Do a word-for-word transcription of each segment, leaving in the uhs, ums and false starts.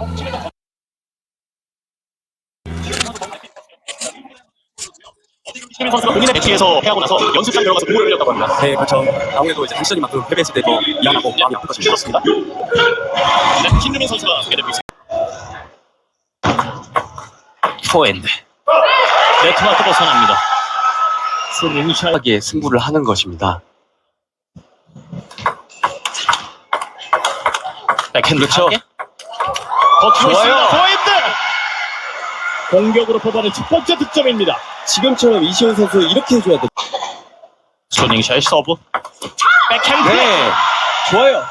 신민 선수가 본인의 매치에서 패하고 나서 연습장 들어가서 공을 흘렸다고 합니다. 네, 그렇죠. 아무래도 이제 한 시즌만큼 패배했을 때 더 미안하고 마음이 아플 것입니다. 그렇습니다. 네, 신민 선수가 소개되고 있습니다. 포핸드. 네트 마크 벗어납니다. 스윙샷. 하게 승부를 하는 것입니다. 백핸드 그렇죠. 강하게. 버티고 좋아요. 있습니다. 포핸드. 공격으로 뽑아낸 첫 번째 득점입니다. 지금처럼 이시훈 선수 이렇게 해줘야 돼. 스윙샷 서브. 백핸드. 네, 좋아요.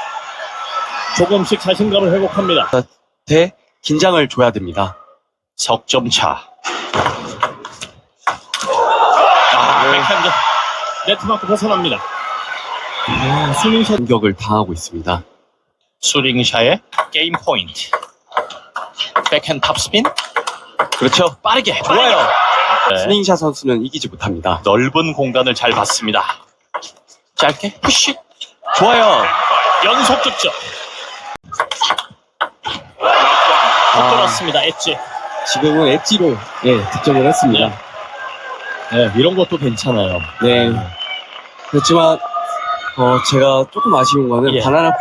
조금씩 자신감을 회복합니다. 대 긴장을 줘야 됩니다. 석점 차. 아, 네. 백핸드. 네트 마크 벗어납니다. 아, 스윙샷. 공격을 당하고 있습니다. 스윙샷의 게임 포인트. 백핸드 탑스핀. 그렇죠. 빠르게. 좋아요. 네. 스닝샷 선수는 이기지 못합니다. 넓은 공간을 잘 봤습니다. 짧게 푸시. 좋아요. 연속 득점. 아, 돌았습니다. 엣지. 지금은 엣지로 예, 득점을 했습니다. 네, 이런 것도 괜찮아요. 네. 그렇지만 어, 제가 조금 아쉬운 거는 예. 바나나